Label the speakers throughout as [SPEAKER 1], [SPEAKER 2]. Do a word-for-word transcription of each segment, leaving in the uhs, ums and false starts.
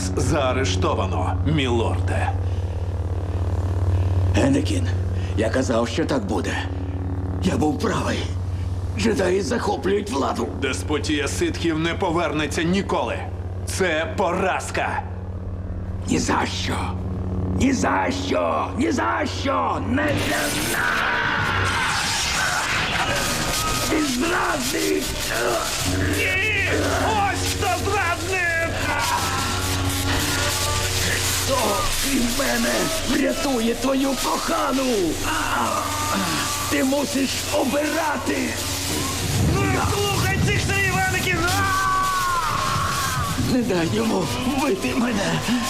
[SPEAKER 1] Вас заарештовано, мілорде.
[SPEAKER 2] Енекін, я казав, що так буде. Я був правий. Джедаї захоплюють владу.
[SPEAKER 1] Деспотія ситхів не повернеться ніколи. Це поразка.
[SPEAKER 2] Ні за що. Ні за що. Ні за що. Не для нас. Ти зрадник.
[SPEAKER 1] Ні! Ось хто зрадник!
[SPEAKER 2] Хто, крім мене, врятує твою кохану? Ти мусиш обирати.
[SPEAKER 1] Не слухай цих слів, Енекін!
[SPEAKER 2] Не дай йому вбити мене.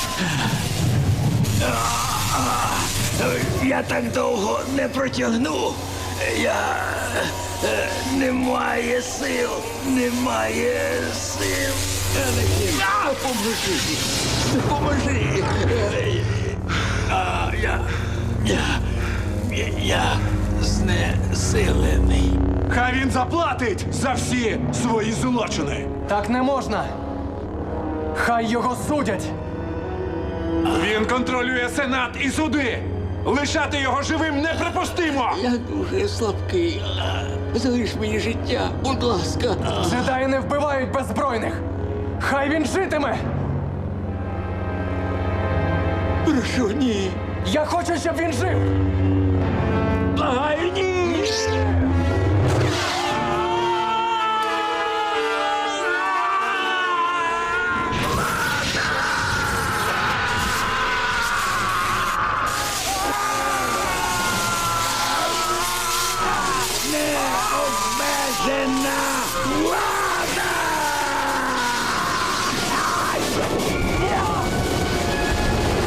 [SPEAKER 2] Я так довго не протягну. Я е, немає сил, немає сил. Енекін, допоможи, допоможи. Е, а, я, я, я, я знесилений.
[SPEAKER 1] Хай він заплатить за всі свої злочини.
[SPEAKER 3] Так не можна. Хай його судять.
[SPEAKER 1] Він контролює сенат і суди. Лишати його живим неприпустимо.
[SPEAKER 2] Я дуже слабкий. Залиш мені життя, будь ласка.
[SPEAKER 3] Джедаї не вбивають беззбройних. Хай він житиме.
[SPEAKER 2] Прошу, ні.
[SPEAKER 3] Я хочу, щоб він жив.
[SPEAKER 2] Благаю, ні.